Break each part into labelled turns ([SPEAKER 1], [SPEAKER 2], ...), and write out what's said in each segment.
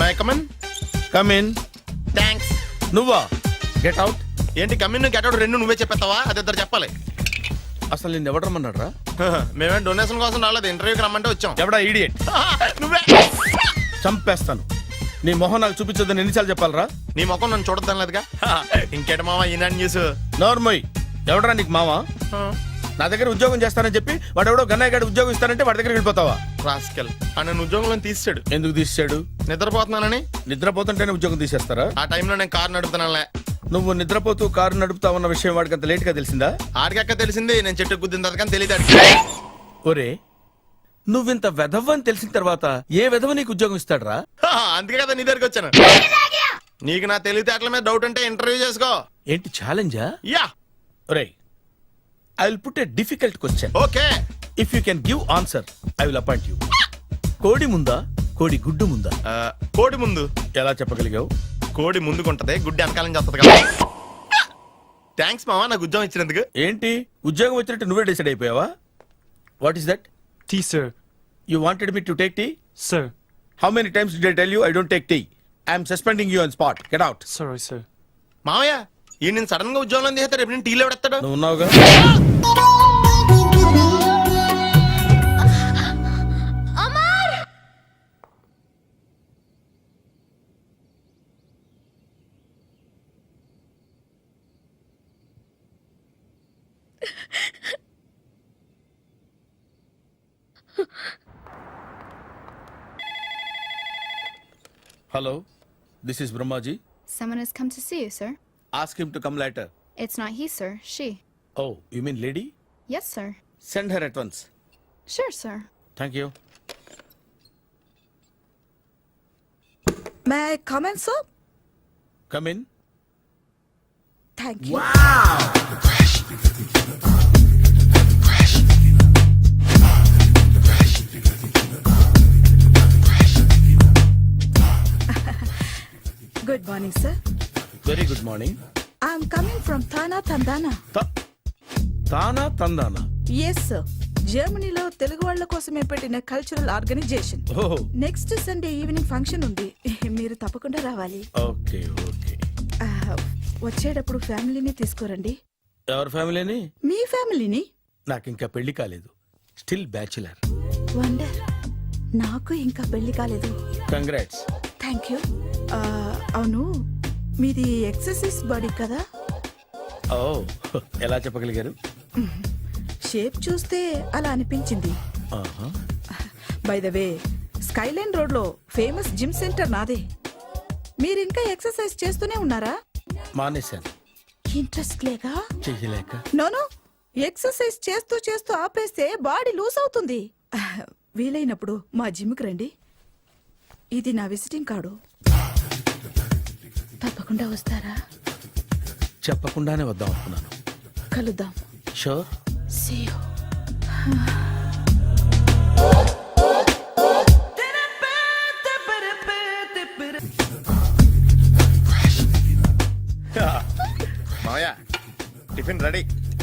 [SPEAKER 1] My come on.
[SPEAKER 2] Come in.
[SPEAKER 1] Thanks.
[SPEAKER 2] నువ్వా? Get out.
[SPEAKER 1] ఏంటి come in get out రెండు నువ్వే చెప్పేస్తావా? అది ఇద్దరు చెప్పాలి.
[SPEAKER 2] అసలు నిన్ను ఎవడు రమ్మన్నాడు రా?
[SPEAKER 1] మేమే డొనేషన్ కోసం రాలేదు, ఇంటర్వ్యూకి రమ్మంటే వచ్చాం.
[SPEAKER 2] ఎవడా ఈడియట్?
[SPEAKER 1] నువ్వే.
[SPEAKER 2] చంపేస్తాను. నీ మొహం నాకు చూపించొద్దని ఎన్నిసార్లు చెప్పాలరా?
[SPEAKER 1] నీ ముఖం నన్ను చూడద్దాం లేదుగా. ఇంకేట మావా ఈనాడు న్యూస్.
[SPEAKER 2] నోర్మోయ్. ఎవడరా నీకు మావా? నా దగ్గర ఉద్యోగం చేస్తానని చెప్పి వాడు ఎవడో గన్నయ్య గారి ఉద్యోగం ఇస్తానంటే వాడి దగ్గర వెళ్ళిపోతావా?
[SPEAKER 1] రాస్కెల్ నన్ను ఉద్యోగంలో తీసాడు.
[SPEAKER 2] ఎందుకు తీసాడు?
[SPEAKER 1] నిద్రపోతున్నానని.
[SPEAKER 2] నిద్రపోతుంటేనే ఉద్యోగం తీసేస్తారా?
[SPEAKER 1] ఆ టైంలో నేను కారు నడుపుతున్నానులే.
[SPEAKER 2] నువ్వు నిద్రపోతూ కారు నడుపుతా ఉన్న విషయం వాడికి అంత లేట్ గా తెలిసిందా?
[SPEAKER 1] ఆడికక్క తెలిసింది, నేను చెట్టు గుద్దిన తర్వాత కానీ తెలియదు.
[SPEAKER 2] ఒరే, నువ్వింత వెధవ్ అని తెలిసిన తర్వాత ఏ వెధవ నీకు ఉద్యోగం ఇస్తాడరా?
[SPEAKER 1] అందుకే కదా నీ దగ్గరికి వచ్చాను. నీకు నా తెలివితేటల మీద డౌట్ అంటే ఇంటర్వ్యూ చేసుకో.
[SPEAKER 2] ఏంటి ఛాలెంజా?
[SPEAKER 1] యా.
[SPEAKER 2] ఒరే, I will put a difficult question.
[SPEAKER 1] Okay.
[SPEAKER 2] If you can give answer I will appoint you. కోడి ముందా, కోడి గుడ్డు ముందా?
[SPEAKER 1] కోడి ముందు.
[SPEAKER 2] ఎలా చెప్పగలిగావు?
[SPEAKER 1] కోడి ముందుకుంటది, గుడ్డి వెనకాలం చేస్తుంది కదా. థ్యాంక్స్ మావా నాకు ఉద్యోగం ఇచ్చినందుకు.
[SPEAKER 2] ఏంటి ఉద్యోగం వచ్చినట్టు నువ్వే డిసైడ్ అయిపోయావా? What is that?
[SPEAKER 3] Tea, sir.
[SPEAKER 2] You wanted me to take tea?
[SPEAKER 3] Sir.
[SPEAKER 2] How many times did I tell you I don't take tea? I am suspending you on spot. Get out.
[SPEAKER 3] Sorry, sir.
[SPEAKER 1] మావయ్య ఈ నేను sudden గా ఉద్యోగంలో తీస్తాడు, రేపు నేను టీలో పెడతాడు.
[SPEAKER 2] నువ్వు ఉన్నావుగా? Hello, this is Brahmaji.
[SPEAKER 4] Someone has come to see you, sir.
[SPEAKER 2] Ask him to come later.
[SPEAKER 4] It's not he, sir. She.
[SPEAKER 2] Oh, you mean lady?
[SPEAKER 4] Yes, sir.
[SPEAKER 2] Send her at once.
[SPEAKER 4] Sure, sir.
[SPEAKER 2] Thank you.
[SPEAKER 5] May I come in, sir?
[SPEAKER 2] Come in.
[SPEAKER 5] Thank you. Good morning, sir.
[SPEAKER 2] Very good morning.
[SPEAKER 5] I'm coming from Thana Tandana.
[SPEAKER 2] తానా తందానా?
[SPEAKER 5] Yes, sir. జర్మనీలో తెలుగు వాళ్ళ కోసమే పెట్టిన cultural organisation.
[SPEAKER 2] ఓహో,
[SPEAKER 5] next Sunday evening function ఉంది, మీరు తప్పకుండా రావాలి.
[SPEAKER 2] Okay okay.
[SPEAKER 5] వచ్చేటప్పుడు ఫ్యామిలీని తీసుకురండి.
[SPEAKER 2] ఎవరి ఫ్యామిలీని?
[SPEAKER 5] మీ ఫ్యామిలీని.
[SPEAKER 2] నాకు ఇంకా పెళ్లి కాలేదు. Still bachelor.
[SPEAKER 5] వండర్. నాకు ఇంకా పెళ్లి కాలేదు.
[SPEAKER 2] కంగ్రాట్స్.
[SPEAKER 5] Thank you. అవును, మీది ఎక్సర్సైజ్ బాడీ కదా?
[SPEAKER 2] ఓ, ఎలా చెప్పగలిగారు?
[SPEAKER 5] షేప్ చూస్తే అలా అనిపించింది.
[SPEAKER 2] ఆహా.
[SPEAKER 5] By the way, skyline road లో ఫేమస్ జిమ్ సెంటర్ నాదే. మీరు ఇంకా ఎక్సర్సైజ్ చేస్తూనే ఉన్నారా?
[SPEAKER 2] మానేశాను.
[SPEAKER 5] ఇంట్రెస్ట్ లేక?
[SPEAKER 2] చెయ్యలేక.
[SPEAKER 5] నోను, ఎక్సర్సైజ్ చేస్తూ చేస్తూ ఆపేస్తే బాడీ లూజ్ అవుతుంది. వీలైనప్పుడు మా జిమ్కి రండి. ఇది నా విజిటింగ్ కార్డు. తప్పకుండా వస్తారా?
[SPEAKER 2] చెప్పకుండానే వద్దాం అనుకున్నాను.
[SPEAKER 5] కలుద్దాం.
[SPEAKER 2] షూర్.
[SPEAKER 5] See you.
[SPEAKER 1] మావయ్య టిఫిన్ రెడీ.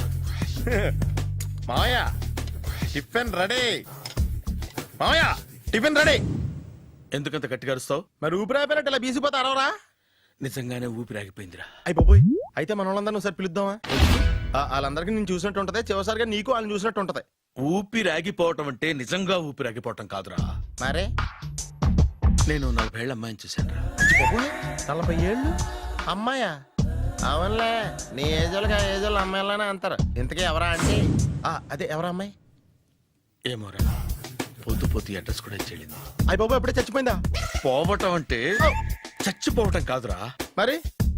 [SPEAKER 1] మావయ్య టిఫిన్ రెడీ. మావయ్య టిఫిన్ రెడీ.
[SPEAKER 2] ఎందుకంత గట్టిగా అరుస్తావు?
[SPEAKER 1] మరి ఊపిరి అయిపోయినట్టు ఇలా బీసిపోతే అరవరా?
[SPEAKER 2] నిజంగానే ఊపిరాగిపోయిందిరా.
[SPEAKER 1] అయ్యి బాబోయ్, అయితే మన వాళ్ళందరినీ ఒకసారి పిలుద్దామా? వాళ్ళందరికీ నేను చూసినట్టు ఉంటది, చివరిసారిగా నీకు వాళ్ళని చూసినట్టు ఉంటది.
[SPEAKER 2] ఊపిరాగిపోవటం అంటే నిజంగా ఊపిరాగిపోవటం కాదురా.
[SPEAKER 1] మరే
[SPEAKER 2] నేను 40 ఏళ్ల అమ్మాయిని చూశాను రా.
[SPEAKER 1] 40 ఏళ్ళు అమ్మాయా? అవునులే, నీ ఏజోళ్ళకి ఆ ఏజోళ్ళు అమ్మాయిలానే అంటారు. ఇంతకీ ఎవరా అంటే? అదే ఎవరా అమ్మాయి?
[SPEAKER 2] ఏమోరా, పొద్దు పొద్దు అడ్రస్ కూడా చెల్లింది.
[SPEAKER 1] అయ్యి బాబు ఎప్పుడే చచ్చిపోయిందా?
[SPEAKER 2] పోవటం అంటే చచ్చిపోవటం కాదురా.
[SPEAKER 1] మరి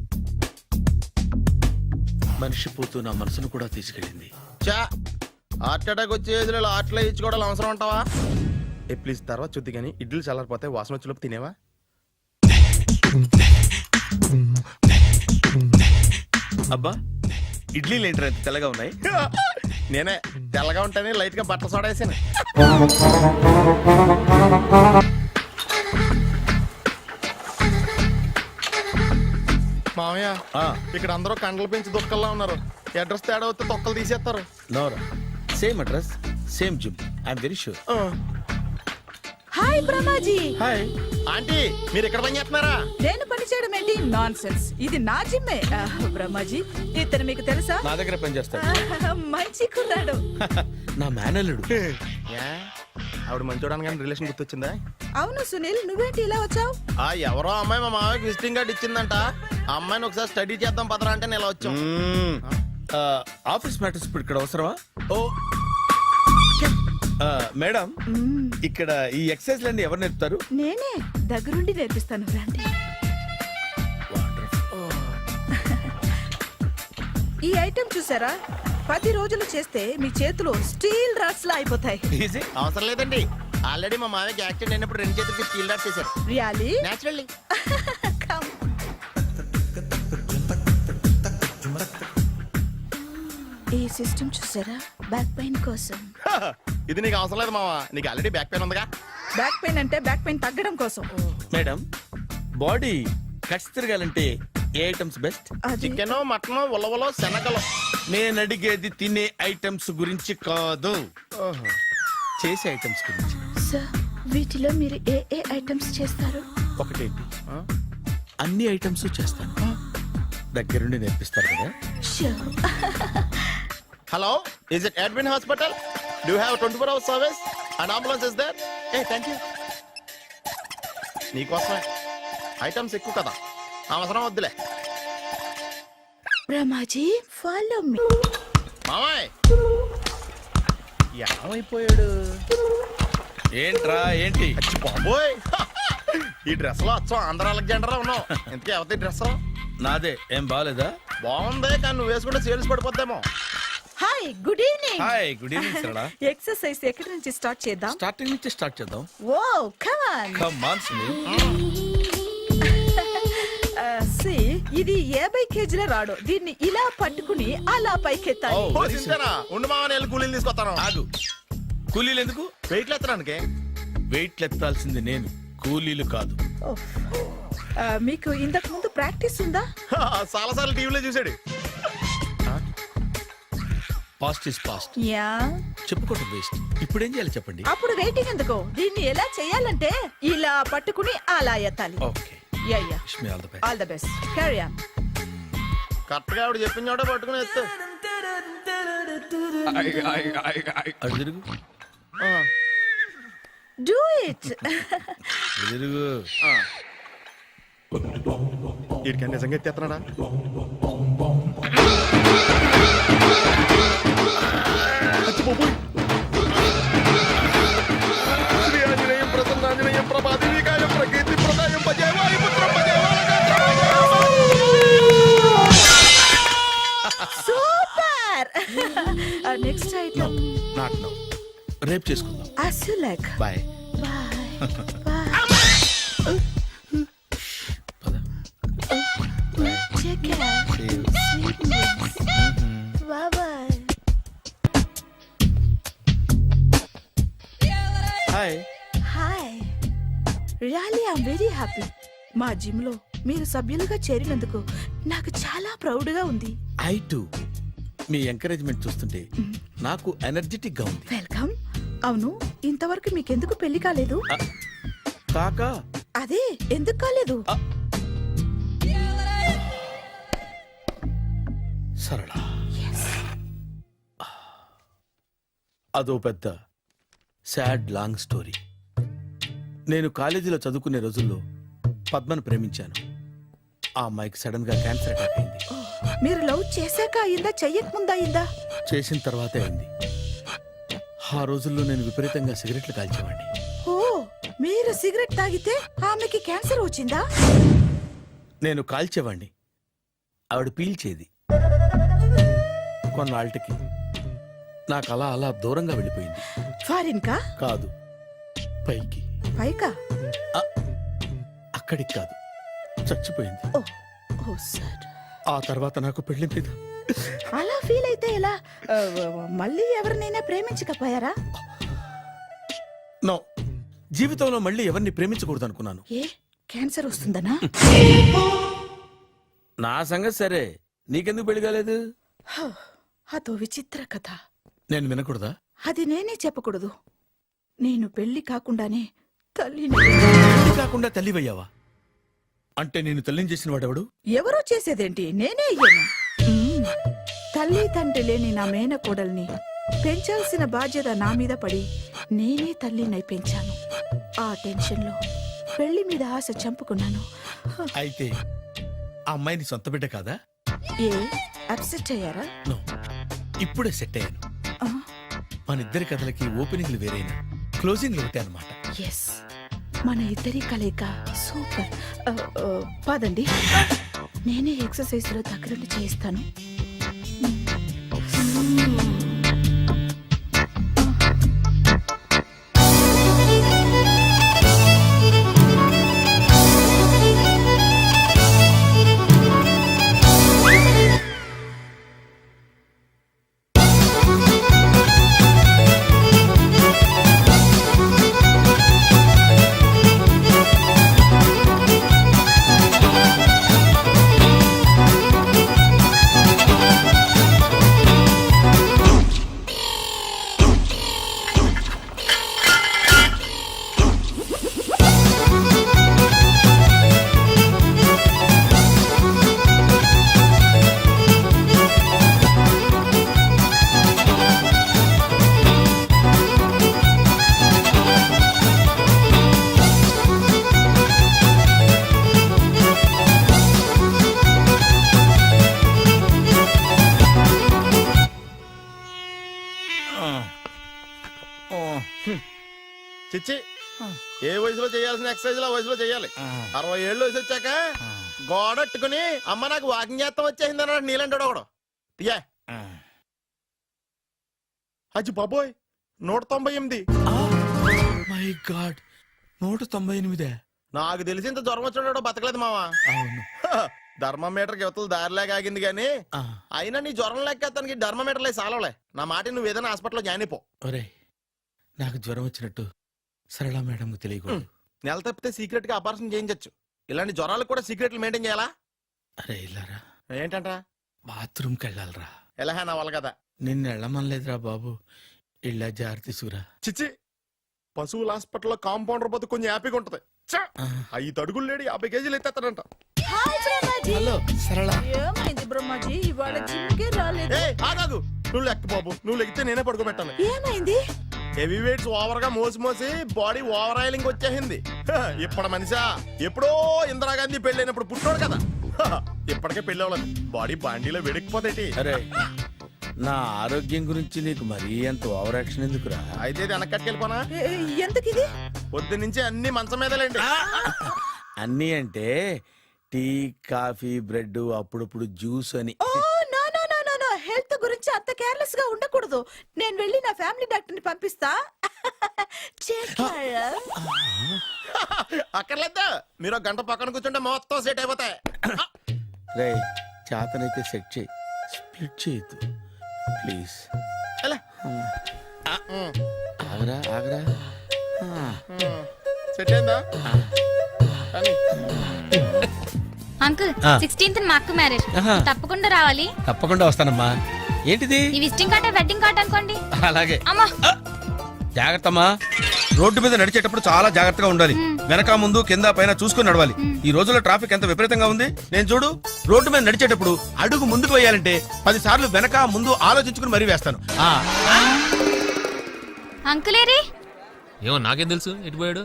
[SPEAKER 2] మనిషి పోతూ నా మనసును కూడా తీసుకెళ్ళింది.
[SPEAKER 1] చా, హార్ట్ అటాక్ వచ్చే ఏజ్లో హార్ట్లో ఇచ్చుకోవడం అవసరం ఉంటావా? ప్లీజ్ తర్వాత చూద్ది కానీ ఇడ్లీలు చల్లారిపోతే వాసన వచ్చేలోపు తినేవా?
[SPEAKER 2] అబ్బా, ఇడ్లీలు ఏంటి అంత తెల్లగా ఉన్నాయి?
[SPEAKER 1] నేనే తెల్లగా ఉంటానే లైట్ గా బట్టలు సోడేసాను. మామయ్య, ఇక్కడ అందరూ కండలు పెంచి దుక్కల్లా ఉన్నారు. అడ్రస్ తేడా వస్తే తొక్కలు తీసేస్తారు.
[SPEAKER 2] నోరా, same address same gym. I'm very sure.
[SPEAKER 5] Hi Brahmaji.
[SPEAKER 2] Hi.
[SPEAKER 1] Aunty మీరు ఇక్కడ పని చేస్తున్నారా?
[SPEAKER 5] నేను పని చేయడం ఏంటి? Nonsense. ఇది నా జిమ్మే. బ్రహ్మాజీ, ఇతను మీకు తెలుసా?
[SPEAKER 2] నా దగ్గర పని చేస్తాడు.
[SPEAKER 5] మంచి కుర్రాడు.
[SPEAKER 2] నా మేనల్లుడు.
[SPEAKER 1] ఏ? ఆవిడ మంచి చూడడానికి రిలేషన్ గుర్తొచ్చిందా?
[SPEAKER 5] అవును సునీల్, నువ్వేంటి ఇలా వచ్చావు?
[SPEAKER 1] ఎవరో అమ్మాయి మా మామయ్యకి విజిటింగ్ కార్డ్ ఇచ్చిందంట. ఆ అమ్మాయిని ఒకసారి స్టడీ చేద్దాం పదరా అంటే నేను ఇలా వచ్చాం.
[SPEAKER 2] ఆఫీస్ మ్యాటర్స్ ఇప్పుడు ఇక్కడ అవసరమా? ఓ మేడం, ఇక్కడ ఈ ఎక్సర్సైజ్ లన్నీ ఎవరు నేర్పుతారు?
[SPEAKER 5] నేనే దగ్గరుండి నేర్పిస్తాను, రండి. ఈ ఐటెం చూసారా? 10 రోజులు చేస్తే మీ చేతులు స్టీల్ రాట్స్ లా అయిపోతాయి.
[SPEAKER 2] ఈజీ.
[SPEAKER 1] అవసరం లేదండి, ఆల్రెడీ మా మామయ్యకి యాక్సిడెంట్ అయినప్పుడు 2 చేతులకి స్టీల్ డాట్ చేశారు.
[SPEAKER 5] రియాలీ?
[SPEAKER 1] నేచురల్లీ.
[SPEAKER 5] ఈ సిస్టమ్ చూసారా? బ్యాక్ పెయిన్ కోసం.
[SPEAKER 1] ఇది నీకు అవసరం లేదు మావా, నీకు ఆల్రెడీ బ్యాక్ పెయిన్ ఉందిగా.
[SPEAKER 5] బ్యాక్ పెయిన్ అంటే బ్యాక్ పెయిన్ తగ్గడం కోసం.
[SPEAKER 2] మేడం, బాడీ కట్స్ తిరగాలంటే ఏ ఐటమ్స్ బెస్ట్?
[SPEAKER 5] అది
[SPEAKER 1] చికెన్, మటన్, ఉలవలో, శనగలు.
[SPEAKER 2] నేను అడిగేది తినే ఐటమ్స్ గురించి కాదు, చేసే ఐటమ్స్ గురించి.
[SPEAKER 5] సార్, వీటిలో మీరు ఏ ఏ ఐటమ్స్ చేస్తారు?
[SPEAKER 2] ఒకటేంటి, అన్ని ఐటమ్స్ చేస్తాను. దగ్గరుండి నేర్పిస్తారు కదా.
[SPEAKER 5] Sure.
[SPEAKER 1] Hello, is it admin hospital? Do have 24 hours service and ambulance is there? Thank you. నీకోసమే ఐటమ్స్ ఎక్కువ కదా, అవసరం వద్దులే.
[SPEAKER 5] Brahmaji, follow me.
[SPEAKER 1] మామయ్య ఏమైపోయాడు?
[SPEAKER 2] ఏంట్రా ఏంటి?
[SPEAKER 1] అచ్చి బాబోయ్, ఈ డ్రెస్ లో అచ్చం ఆంధ్ర అలెగ్జాండర్ ఉన్నావు. ఇంతకీ ఎవరి డ్రెస్?
[SPEAKER 2] నాదే. ఏం బాగాలేదా?
[SPEAKER 1] బాగుంది, కానీ నువ్వు వేసుకుంటే సేల్స్ పడిపోద్దేమో.
[SPEAKER 5] Hi, good evening.
[SPEAKER 2] Hi, good evening Sarala.
[SPEAKER 5] Exercise ఎక్కడి నుంచి స్టార్ట్ చేద్దాం?
[SPEAKER 2] స్టార్టింగ్ నుంచి స్టార్ట్ చేద్దాం.
[SPEAKER 5] Oh come on.
[SPEAKER 2] Come on Sunil.
[SPEAKER 5] సి, ఇది 50 కేజీల రాడు. దీన్ని ఇలా పట్టుకుని అలా పైకెత్తాలి.
[SPEAKER 2] Oh.
[SPEAKER 1] ఓ, సింతేనా? ఉండు మామ, నేను కూలీలు తీసుకొస్తాను.
[SPEAKER 2] ఆగు. కూలీలు ఎందుకు?
[SPEAKER 1] వెయిట్లు ఎత్తడానికి.
[SPEAKER 2] వెయిట్ ఎత్తాల్సింది నేను, కూలీలు కాదు.
[SPEAKER 5] ఓఫ్. మీకు ఇంతకు ముందు ప్రాక్టీస్ ఉందా?
[SPEAKER 1] చాలా సార్లు టీవీలో చూసాడు.
[SPEAKER 2] Past is past.
[SPEAKER 5] యా.
[SPEAKER 2] చెప్పుకోవటం వేస్ట్. ఇప్పుడు ఏం చేయాలి చెప్పండి.
[SPEAKER 5] అప్పుడు వెయిటింగ్ ఎందుకు? దీన్ని ఎలా చేయాలంటే ఇలా పట్టుకుని అలా ఎత్తాలి.
[SPEAKER 2] Okay,
[SPEAKER 5] yeah yeah.
[SPEAKER 2] Wish me all the best.
[SPEAKER 5] All the best. Carry on.
[SPEAKER 1] Correct గా ఆవిడ చెప్పిన చోట పట్టుకుని ఎత్తు.
[SPEAKER 2] అటు తిరుగు.
[SPEAKER 5] Do it.
[SPEAKER 2] ఇటు తిరుగు.
[SPEAKER 1] వీడికి నిజంగా ఎత్తేస్తున్నాడా? అచ్చి బాబోయ్. శ్రీ ఆంజనేయం ప్రసన్నాంజనేయం ప్రభాదేవికాయం ప్రకీర్తి ప్రదాయం భజే వాయుపుత్రం భజే
[SPEAKER 5] super. Next item.
[SPEAKER 2] Not now, రేపు చేసుకుందాం.
[SPEAKER 5] as you like.
[SPEAKER 2] Bye.
[SPEAKER 5] Bye. Bye.
[SPEAKER 2] పద.
[SPEAKER 5] Take care.
[SPEAKER 2] See you.
[SPEAKER 5] Sweet dreams. Bye bye.
[SPEAKER 2] హాయ్.
[SPEAKER 5] Hi. Really, I'm very happy. మా జిమ్ లో మీరు సభ్యులుగా చేరినందుకు నాకు చాలా ప్రౌడ్ గా ఉంది.
[SPEAKER 2] I to. మీ ఎంకరేజ్మెంట్ చూస్తుంటే నాకు ఎనర్జెటిక్ గా ఉంది.
[SPEAKER 5] వెల్కమ్. అవును, ఇంతవరకు మీకెందుకు పెళ్లి కాలేదు?
[SPEAKER 2] కాకా.
[SPEAKER 5] అదే, ఎందుకు కాలేదు?
[SPEAKER 2] సరళ, అదో పెద్ద సాడ్ లాంగ్ స్టోరీ. నేను కాలేజీలో చదువుకునే రోజుల్లో పద్మను ప్రేమించాను. ఆ అమ్మాయికి సడన్ గా క్యాన్సర్ అటాక్ అయింది.
[SPEAKER 5] మీరు లవ్ చేశాక అయిందా, చెయ్యక ముందా అయిందా?
[SPEAKER 2] చేసిన తర్వాతే అయింది. ఆ రోజుల్లో నేను విపరీతంగా సిగరెట్లు కాల్చేవాడిని.
[SPEAKER 5] ఓ, మీరు సిగరెట్ తాగితే ఆమెకి క్యాన్సర్ వచ్చిందా?
[SPEAKER 2] నేను కాల్చేవాణ్ణి, ఆవిడ పీల్చేది. కొన్నాళ్ళకి నాకు అలా అలా దూరంగా వెళ్ళిపోయింది.
[SPEAKER 5] ఫారిన్ కా?
[SPEAKER 2] కాదు, పైకి.
[SPEAKER 5] పైకా?
[SPEAKER 2] అక్కడికి కాదు, చచ్చిపోయింది.
[SPEAKER 5] ఓ, ఓ సార్.
[SPEAKER 2] ఆ తర్వాత నాకు పెళ్లి మీద
[SPEAKER 5] అలా ఫీల్ అయితే ఎలా? మళ్ళీ ఎవరినైనా ప్రేమించకపోయారా?
[SPEAKER 2] నో, జీవితంలో మళ్ళీ ఎవరిని ప్రేమించకూడదు అనుకున్నాను.
[SPEAKER 5] ఏ, క్యాన్సర్ వస్తుందనా?
[SPEAKER 2] నా సంగతి సరే, నీకెందుకు పెళ్లి కాలేదు?
[SPEAKER 5] అదో విచిత్ర కథ.
[SPEAKER 2] నేను వినకూడదా?
[SPEAKER 5] అది నేనే చెప్పకూడదు. నేను పెళ్లి కాకుండానే తల్లిని
[SPEAKER 2] పెళ్లి కాకుండా తల్లివయ్యావా? అంటే నేను తల్లిని చేసిన వాడెవడు?
[SPEAKER 5] ఎవరో చేసేదేంటి, నేనే అయ్యాను. తల్లి తండ్రి లేని నా మేనకోడల్ని పెంచాల్సిన బాధ్యత నా మీద పడి నేనే తల్లినై పెంచాను. ఆ టెన్షన్లో పెళ్లి మీద ఆశ చంపుకున్నాను.
[SPEAKER 2] అయితే ఆ అమ్మాయిని సొంత బిడ్డ కాదా?
[SPEAKER 5] ఏ అప్సెట్ అయ్యారా?
[SPEAKER 2] నో, ఇప్పుడే సెట్ అయ్యాను. మన ఇద్దరి కథలకి ఓపెనింగ్లు వేరైనా క్లోజింగ్లు ఒకటే అనమాట.
[SPEAKER 5] ఎస్, మన ఇద్దరి కలయిక సూపర్. పదండి, నేనే ఎక్సర్సైజ్ లో దగ్గరుండి చేయిస్తాను.
[SPEAKER 1] చిచ్చి, ఏ వయసులో చేయాల్సిన ఎక్సర్సైజ్ ఆ వయసులో చేయాలి. 60 ఏళ్ళు వయసు వచ్చాక గోడట్టుకుని అమ్మ నాకు వాకింగ్ చేస్తాం వచ్చేసింది అన్నాడు నీలంటాడు ఒకడు. తీయా అచ్చి బాబోయ్, 198.
[SPEAKER 2] My god, 198.
[SPEAKER 1] నాకు తెలిసి ఇంత జ్వరం వచ్చాడో బతకలేదు మావా.
[SPEAKER 2] అవును.
[SPEAKER 1] ధర్మమీటర్ యువతలు దారిలాగా ఆగింది గానీ అయినా నీ జ్వరం లెక్క అతనికి ధర్మమీటర్లే సాలవలే. నా మాట నువ్వు ఏదైనా హాస్పిటల్లో జాయిన్ అయిపో.
[SPEAKER 2] ఒరే, నాకు జ్వరం వచ్చినట్టు సరళ మేడంకు తెలియకూడదు.
[SPEAKER 1] నెల తప్పితే సీక్రెట్ గా ఆపరేషన్ చేయించచ్చు. ఇలాంటి జ్వరాలకు కూడా సీక్రెట్లు మెయింటైన్ చేయాలా?
[SPEAKER 2] అరే ఇల్లారా,
[SPEAKER 1] ఏంటంటరా?
[SPEAKER 2] బాత్రూమ్కి వెళ్ళాలరా.
[SPEAKER 1] ఎలా నా వాళ్ళ కదా.
[SPEAKER 2] నిన్ను వెళ్ళమనలేదురా బాబు, ఇళ్ళ జారి తీసుకురా.
[SPEAKER 1] చిచ్చి, పశువుల హాస్పిటల్లో కాంపౌండర్ పోతే కొంచెం హ్యాపీగా ఉంటది. 5 అడుగులు లేడి 50 కేజీలు ఎత్తేస్తాడంట.
[SPEAKER 2] హలో సరళ.
[SPEAKER 5] ఏమైంది బ్రహ్మాజీ, ఇవాళ జిమ్కే రాలేదు?
[SPEAKER 1] ఆగాదు, నువ్వు లెక్క బాబు. నువ్వు లెక్కితే నేనే పడుకోబెట్టాను.
[SPEAKER 5] ఏమైంది?
[SPEAKER 1] హెవీ వెయిట్స్ ఓవర్ గా మోసి బాడీ ఓవర్ ఆయిలింగ్ వచ్చేసింది. ఇప్పుడు మనిషా ఎప్పుడో ఇందిరాగాంధీ పెళ్ళైనప్పుడు పుట్టినోడు కదా. ఇప్పటికే పెళ్ళి అవ్వలేదు, బాడీ బాండీలో వెడికిపోతేటి.
[SPEAKER 2] అరే, నా ఆరోగ్యం గురించి నీకు మరీ అంత ఓవర్ యాక్షన్ ఎందుకురా?
[SPEAKER 1] అయితే ఇది వెనక్కట్టుకెళ్ళిపోనా?
[SPEAKER 5] ఎందుకిది?
[SPEAKER 1] పొద్దు నుంచి అన్ని మంచం మీదలేండి.
[SPEAKER 2] అన్నీ అంటే టీ, కాఫీ, బ్రెడ్, అప్పుడప్పుడు జ్యూస్ అని.
[SPEAKER 5] హెల్త్ గురించి అంత కేర్లెస్ గా ఉండకూడదు. నేను వెళ్ళి నా ఫ్యామిలీ డాక్టర్ ని పంపిస్తా.
[SPEAKER 1] అక్కర్లేదు, మీరు 1 గంట పక్కన కూర్చుంటే మొత్తం సెట్ అయిపోతాయి.
[SPEAKER 2] రే, చేతనైతే సెట్ చేయి, స్ప్లిట్ చేయొద్దు ప్లీజ్. ఆగరా ఆగరా.
[SPEAKER 1] సెట్ అయిందా?
[SPEAKER 3] అంకుల్, 16th మా అక్క మ్యారేజ్, తప్పకుండా రావాలి.
[SPEAKER 2] తప్పకుండా వస్తానమ్మా. ఏంటిది?
[SPEAKER 3] ఈ విజిటింగ్ కార్డ్ వెడ్డింగ్ కార్డ్ అనుకోండి.
[SPEAKER 2] అలాగే.
[SPEAKER 3] అమ్మా
[SPEAKER 6] జాగ్రత్తమ్మా, రోడ్డు మీద నడిచేటప్పుడు చాలా జాగ్రత్తగా ఉండాలి. వెనక ముందు కింద పైన చూసుకుని నడవాలి. ఈ రోజుల్లో ట్రాఫిక్ ఎంత విపరీతంగా ఉంది. నేను చూడు, రోడ్డు మీద నడిచేటప్పుడు అడుగు ముందుకు వేయాలంటే 10 సార్లు వెనక ముందు ఆలోచించుకుని మరీ వేస్తాను.
[SPEAKER 3] అంకులేరి
[SPEAKER 7] ఏమో నాకేం తెలుసు ఎటు పోయాడు.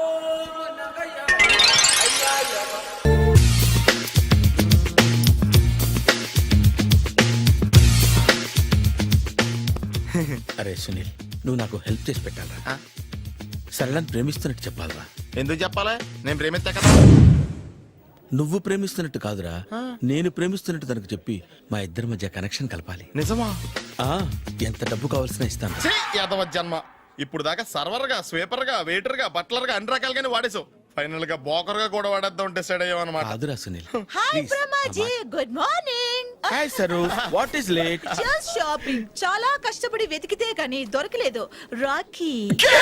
[SPEAKER 2] అరే సునీల్, నువ్వు నాకు హెల్ప్ చేసి పెట్టాలరా. సరళని ప్రేమిస్తున్నట్టు చెప్పాలరా.
[SPEAKER 1] ఎందుకు చెప్పాలి? నేను ప్రేమిస్తా కదా.
[SPEAKER 2] నువ్వు ప్రేమిస్తున్నట్టు కాదురా, నేను ప్రేమిస్తున్నట్టు తనకు చెప్పి మా ఇద్దరి మధ్య కనెక్షన్ కలపాలి.
[SPEAKER 1] నిజమా?
[SPEAKER 2] ఎంత డబ్బు కావాల్సిన ఇస్తాను.
[SPEAKER 1] యాదవ జన్మ. ఇప్పుడు దాకా సర్వర్ గా, స్వీపర్ గా, వెయిటర్ గా, బట్లర్ గా అన్ని రకాలుగానే వాడేసావు. ఫైనల్ గా బోకర్ గా కూడా వాడేద్దాం డిసైడ్ అయ్యాం అన్నమాట.
[SPEAKER 2] కాదురా Sunil.
[SPEAKER 5] Hi Brahmaji, good morning.
[SPEAKER 2] Hi Saru, what is late?
[SPEAKER 5] Just shopping. చాలా కష్టపడి వెతికితే కానీ దొరకలేదు. రాఖీ.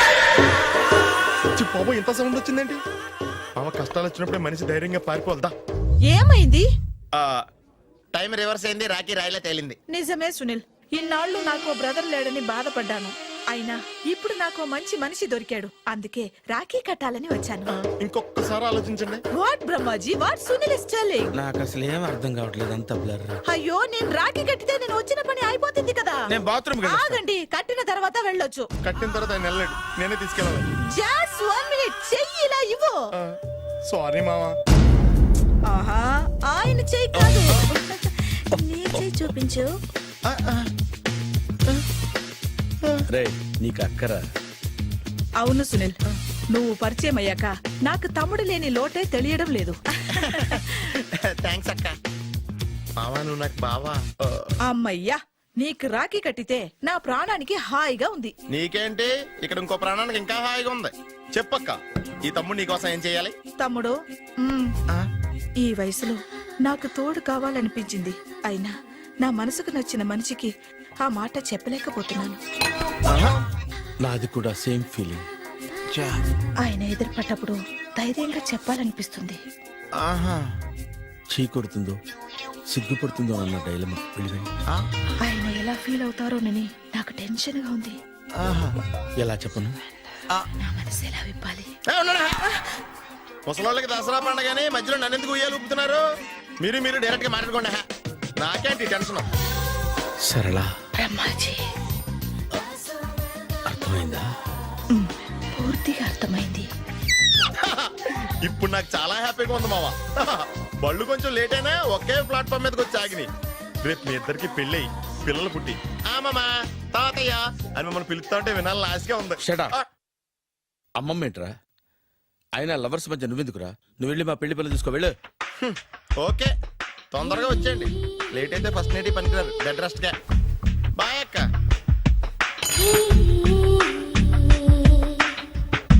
[SPEAKER 1] బాబు, ఇంత సౌండ్ వచ్చిందేంటి? మామ కష్టాలు వచ్చినప్పుడే మనిషి ధైర్యంగా పారిపోవద్దా.
[SPEAKER 5] ఏమైంది?
[SPEAKER 1] టైం రివర్స్ అయింది, రాఖీ రాయిలా తేలింది.
[SPEAKER 5] నిజమే సునీల్, ఇన్నాళ్ళు నాకు బ్రదర్ లేడని బాధపడ్డాను. అయినా ఇప్పుడు నాకు ఓ మంచి మనిషి దొరికాడు, అందుకే రాఖీ కట్టాలని వచ్చాను.
[SPEAKER 1] ఇంకొకసారి ఆలోచించండి.
[SPEAKER 5] What Brahmaji, what Sunil is telling?
[SPEAKER 2] నాకు అసలు ఏం అర్థం కావట్లేదు, అంత బ్లర్.
[SPEAKER 5] అయ్యో, నేను రాఖీ కట్టితే నేను వచ్చిన పని అయిపోతుంది కదా.
[SPEAKER 2] నేను బాత్రూమ్
[SPEAKER 5] ఆగండి, కట్టిన తర్వాత వెళ్ళొచ్చు.
[SPEAKER 1] కట్టిన తర్వాత ఆయన వెళ్ళాడు, నేనే తీసుకెళ్ళాలి.
[SPEAKER 5] జస్ట్ 1 మినిట్, చెయ్యి ఇలా ఇవ్వు.
[SPEAKER 1] సారీ మావా.
[SPEAKER 5] ఆహా, ఆయన చెయ్యి కాదు, నీ చెయ్యి చూపించు.
[SPEAKER 2] రే నీకు అక్కరా?
[SPEAKER 5] అవును సునీల్, నువ్వు పరిచయం అయ్యాక నాకు తమ్ముడు లేని లోటే తెలియడం లేదు.
[SPEAKER 1] థ్యాంక్స్ అక్క. మావా నువ్వు నాకు బావా.
[SPEAKER 5] అమ్మయ్యా, నీకు రాఖీ కట్టితే నా ప్రాణానికి హాయిగా ఉంది.
[SPEAKER 1] నీకేంటి, ఇక్కడ ఇంకో ప్రాణానికి ఇంకా హాయిగా ఉంది. చెప్పక్క, ఈ తమ్ముడు నీకోసం ఏం చేయాలి?
[SPEAKER 5] తమ్ముడు, ఈ వయసులో నాకు తోడు కావాలనిపించింది, అయినా నా మనసుకు నచ్చిన మనిషికి ఆ మాట చెప్పలేకపోతున్నాను.
[SPEAKER 2] నాది కూడా సేమ్ ఫీలింగ్.
[SPEAKER 5] ఆయన ఎదురుపడ్డప్పుడు ధైర్యంగా చెప్పాలనిపిస్తుంది.
[SPEAKER 2] చీ కొడుతుందో సిగ్గుపడుతుందో అన్న డైలమా. వెళ్ళిపోయింది.
[SPEAKER 5] ఆయన ఎలా ఫీల్ అవుతారోనని నాకు టెన్షన్ గా ఉంది.
[SPEAKER 2] ఎలా చెప్పను?
[SPEAKER 5] నా మనసు ఎలా విప్పాలి?
[SPEAKER 1] ముసలోళ్ళకి దసరా పండగని మధ్యలో నన్ను ఎందుకు ఉయ్యాలు ఊపుతున్నారు? మీరు డైరెక్ట్ గా మాట్లాడుకోండి. నాకేంటి టెన్షన్?
[SPEAKER 2] సరళ,
[SPEAKER 5] బ్రహ్మాజీ,
[SPEAKER 2] అర్థమైందా?
[SPEAKER 5] పూర్తిగా అర్థమైంది.
[SPEAKER 1] ఇప్పుడు నాకు చాలా హ్యాపీగా ఉంది మావా. బళ్ళు కొంచెం లేట్ అయినా ఒకే ప్లాట్ఫామ్ మీదకి వచ్చి ఆగినాయి. రేపు మీ ఇద్దరికి పెళ్ళి పిల్లలు పుట్టి మామా తాతయ్య అని మమ్మల్ని పిలుస్తా ఉంటే వినాలని ఆశగా ఉంది.
[SPEAKER 2] Shut up. అమ్మమ్మ ఏంట్రా? అయినా లవర్స్ మధ్య నువ్వెందుకురా? నువ్వు వెళ్ళి మా పెళ్లి పిల్లలు తీసుకో, వెళ్ళు.
[SPEAKER 1] ఓకే, తొందరగా వచ్చేయండి. లేట్ అయితే ఫస్ట్ నైట్ పనికిరారు. బెడ్ రెస్ట్ గా. బాయ్ అక్క.